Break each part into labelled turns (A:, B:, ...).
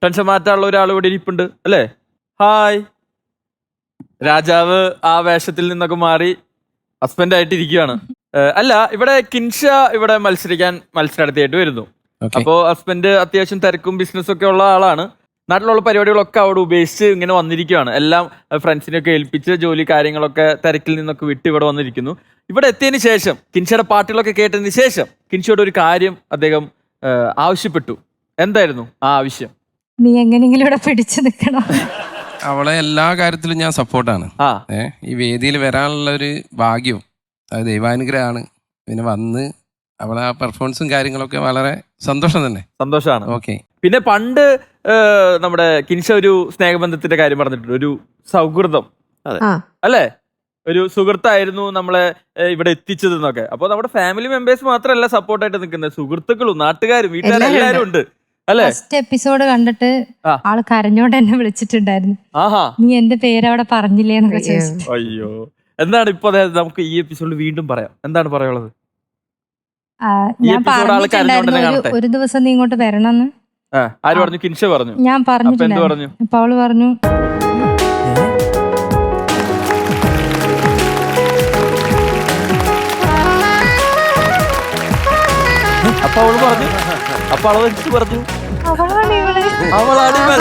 A: Tension മാറ്റാനുള്ള ഒരാൾ ഇവിടെ ഇരിപ്പുണ്ട് അല്ലേ? ഹായ്. രാജാവ് ആ വേഷത്തിൽ നിന്നൊക്കെ മാറി ഹസ്ബൻഡ് ആയിട്ട് ഇരിക്കുകയാണ്. അല്ല, ഇവിടെ കിൻഷ ഇവിടെ മത്സരാർത്ഥിയായിട്ട് വരുന്നു. അപ്പോ ഹസ്ബൻഡ് അത്യാവശ്യം തിരക്കും ബിസിനസ്സും ഒക്കെ ഉള്ള ആളാണ്. നാട്ടിലുള്ള പരിപാടികളൊക്കെ അവിടെ ഉപേക്ഷിച്ച് ഇങ്ങനെ വന്നിരിക്കുകയാണ്. എല്ലാം ഫ്രണ്ട്സിനെയൊക്കെ ഏൽപ്പിച്ച് ജോലി കാര്യങ്ങളൊക്കെ തിരക്കിൽ നിന്നൊക്കെ വിട്ട് ഇവിടെ വന്നിരിക്കുന്നു. ഇവിടെ എത്തിയതിന് ശേഷം കിൻഷയുടെ പാട്ടുകളൊക്കെ കേട്ടതിന് ശേഷം കിൻഷയോട് ഒരു കാര്യം അദ്ദേഹം ആവശ്യപ്പെട്ടു. എന്തായിരുന്നു ആ ആവശ്യം?
B: നീ എങ്ങനെയെങ്കിലും ഇവിടെ പിടിച്ചു നിൽക്കണം.
C: അവളെ എല്ലാ കാര്യത്തിലും ഞാൻ സപ്പോർട്ടാണ്. ഈ വേദിയിൽ വരാനുള്ള ഒരു ഭാഗ്യവും അത് ദൈവാനുഗ്രഹമാണ്. പിന്നെ വന്ന് അവളെ ആ പെർഫോമൻസും കാര്യങ്ങളൊക്കെ വളരെ സന്തോഷം തന്നെ.
A: സന്തോഷമാണ്.
C: ഓക്കെ.
A: പിന്നെ പണ്ട് നമ്മുടെ കിൻഷ ഒരു സ്നേഹബന്ധത്തിന്റെ കാര്യം പറഞ്ഞിട്ടുണ്ട്, ഒരു സൗഹൃദം അല്ലേ, ഒരു സുഹൃത്തായിരുന്നു നമ്മളെ ഇവിടെ എത്തിച്ചത് എന്നൊക്കെ. അപ്പൊ നമ്മുടെ ഫാമിലി മെമ്പേഴ്സ് മാത്രമല്ല സപ്പോർട്ടായിട്ട് നിൽക്കുന്നത്, സുഹൃത്തുക്കളും നാട്ടുകാരും വീട്ടുകാരും എല്ലാവരും ഉണ്ട് അല്ലേ?
B: ഫസ്റ്റ് എപ്പിസോഡ് കണ്ടിട്ട് ആള് കരഞ്ഞോണ്ട് എന്നെ വിളിച്ചിട്ടുണ്ടായിരുന്നു. നീ എന്റെ പേര് അവിടെ പറഞ്ഞില്ലേ എന്നൊക്കെ ചോദിച്ചു.
A: അയ്യോ, എന്താണ് ഇപ്പൊ നമുക്ക് ഈ എപ്പിസോഡിൽ വീണ്ടും പറയാം, എന്താണ് പറയാനുള്ളത്?
B: ഞാൻ പറഞ്ഞിട്ടുണ്ടായിരുന്നു ഒരു ദിവസം നീ ഇങ്ങോട്ട് വരണമെന്ന്.
A: ആര് പറഞ്ഞു? കിൻഷ പറഞ്ഞു.
B: ഞാൻ പറഞ്ഞിട്ടുണ്ടായിരുന്നു. അപ്പൊ അവള് പറഞ്ഞു
A: അപ്പൊ അവള് പറഞ്ഞു. അപ്പൊ അവള് എനിക്ക് പറഞ്ഞു അവളാണ് ഇവൾ.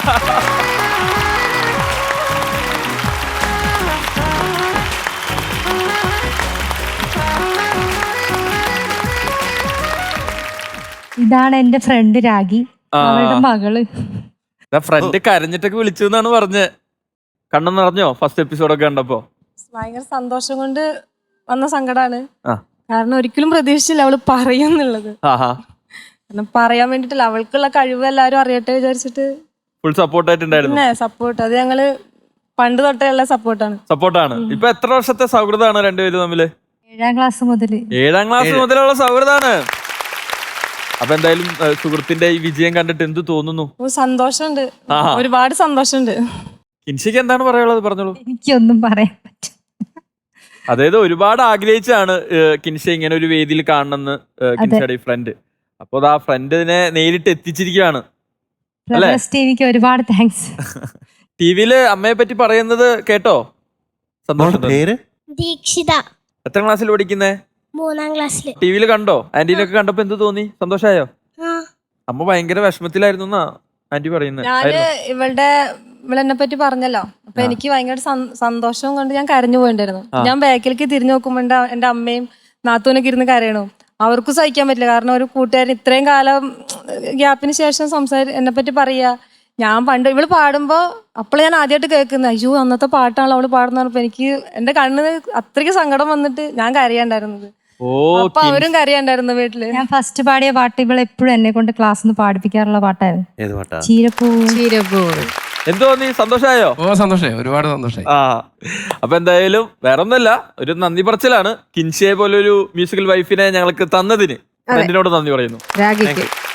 B: ഇതാണ് എന്റെ ഫ്രണ്ട് രാഗി, അവളുടെ മകള്.
A: ഫ്രണ്ട് കരഞ്ഞിട്ടൊക്കെ വിളിച്ചു എന്നാണ് പറഞ്ഞത്. കണ്ണു നിറഞ്ഞോ ഫസ്റ്റ് എപ്പിസോഡൊക്കെ കണ്ടപ്പോ?
D: ഭയങ്കര സന്തോഷം കൊണ്ട് വന്ന സങ്കടാണ്. കാരണം ഒരിക്കലും പ്രതീക്ഷിച്ചില്ല അവള് പറയുന്നുള്ളത്. കാരണം പറയാൻ വേണ്ടിട്ടില്ല, അവൾക്കുള്ള കഴിവ് എല്ലാരും അറിയട്ടെ വിചാരിച്ചിട്ട്
A: ഫുൾ സപ്പോർട്ടായിട്ടുണ്ടായിരുന്നു.
D: സപ്പോർട്ട് അത് ഞങ്ങള് പണ്ട് തൊട്ടേ ഉള്ള സപ്പോർട്ടാണ്. ഇപ്പൊ എത്ര വർഷത്തെ സൗഹൃദമാണ് രണ്ടുപേരും തമ്മില്?
B: 7ാം ക്ലാസ് മുതല്.
A: 7ാം ക്ലാസ് മുതലുള്ള സൗഹൃദമാണ്. അപ്പൊ എന്തായാലും സുഹൃത്തിന്റെ ഈ വിജയം കണ്ടിട്ട് എന്ത് തോന്നുന്നു?
D: സന്തോഷമുണ്ട്, ഒരുപാട് സന്തോഷമുണ്ട്.
A: കിൻഷയ്ക്ക് എന്താണ് പറയാനുള്ളത്? പറഞ്ഞോളൂ.
B: എനിക്കൊന്നും പറയാൻ പറ്റും.
A: അതായത് ഒരുപാട് ആഗ്രഹിച്ചാണ് കിൻഷ ഇങ്ങനെ ഒരു വേദിയിൽ കാണണമെന്ന് കിൻഷയുടെ ഈ ഫ്രണ്ട്. അപ്പൊ ആ ഫ്രണ്ടിനെ നേരിട്ട് എത്തിച്ചിരിക്കുകയാണ് അല്ലേ?
B: ടിവിക്ക് ഒരുപാട് താങ്ക്സ്.
A: ടിവിയില് അമ്മയെ പറ്റി പറയുന്നത് കേട്ടോ? സന്തോഷം.
E: ദീക്ഷിത.
A: എത്ര ക്ലാസ്സിൽ പഠിക്കുന്നേ?
E: 3ാം ക്ലാസ്സിൽ.
A: ടിവിയിൽ കണ്ടോ? ആന്റീനൊക്കെ കണ്ടപ്പോ എന്ത് തോന്നി? സന്തോഷായോ? അമ്മ ഭയങ്കര വിഷമത്തിലായിരുന്നു എന്നാ ആന്റി പറയുന്നത്.
D: ഞാന് ഇവളെന്നെ പറ്റി പറഞ്ഞല്ലോ, അപ്പൊ എനിക്ക് ഭയങ്കര സന്തോഷം കൊണ്ട് ഞാൻ കരഞ്ഞു പോയിണ്ടായിരുന്നു. ഞാൻ ബാക്കിലേക്ക് തിരിഞ്ഞു നോക്കുമ്പോ എന്റെ അമ്മയും നാത്തൂനൊക്കെ ഇരുന്ന് കരയണു. അവർക്കും സഹിക്കാൻ പറ്റില്ല. കാരണം ഒരു കൂട്ടുകാരൻ ഇത്രയും കാലം ഗ്യാപ്പിന് ശേഷം എന്നെ പറ്റി പറയാ. ഞാൻ പണ്ട് ഇവള് പാടുമ്പോ അപ്പോൾ ഞാൻ ആദ്യമായിട്ട് കേൾക്കുന്നത്, അയ്യോ അന്നത്തെ പാട്ടാണല്ലോ അവള് പാടുന്ന പറഞ്ഞപ്പോ എനിക്ക് എന്റെ കണ്ണിന് അത്രയ്ക്ക് സങ്കടം വന്നിട്ട് ഞാൻ കരയാണ്ടായിരുന്നത്. അപ്പൊ അവരും കരയാണ്ടായിരുന്നു വീട്ടില്.
B: ഞാൻ ഫസ്റ്റ് പാടിയ പാട്ട് ഇവളെ എപ്പോഴും എന്നെ കൊണ്ട് ക്ലാസ്സിൽ പാടിപ്പിക്കാറുള്ള പാട്ടായിരുന്നു. ചീരപ്പൂ.
A: എന്തോ നീ സന്തോഷായോ?
C: സന്തോഷായി, ഒരുപാട് സന്തോഷായി.
A: അപ്പൊ എന്തായാലും വേറെ ഒന്നല്ല, ഒരു നന്ദി പറച്ചിലാണ് കിൻഷയെ പോലെ ഒരു മ്യൂസിക്കൽ വൈഫിനെ ഞങ്ങൾക്ക് തന്നതിന് ഫ്രണ്ടിനോട് നന്ദി പറയുന്നു.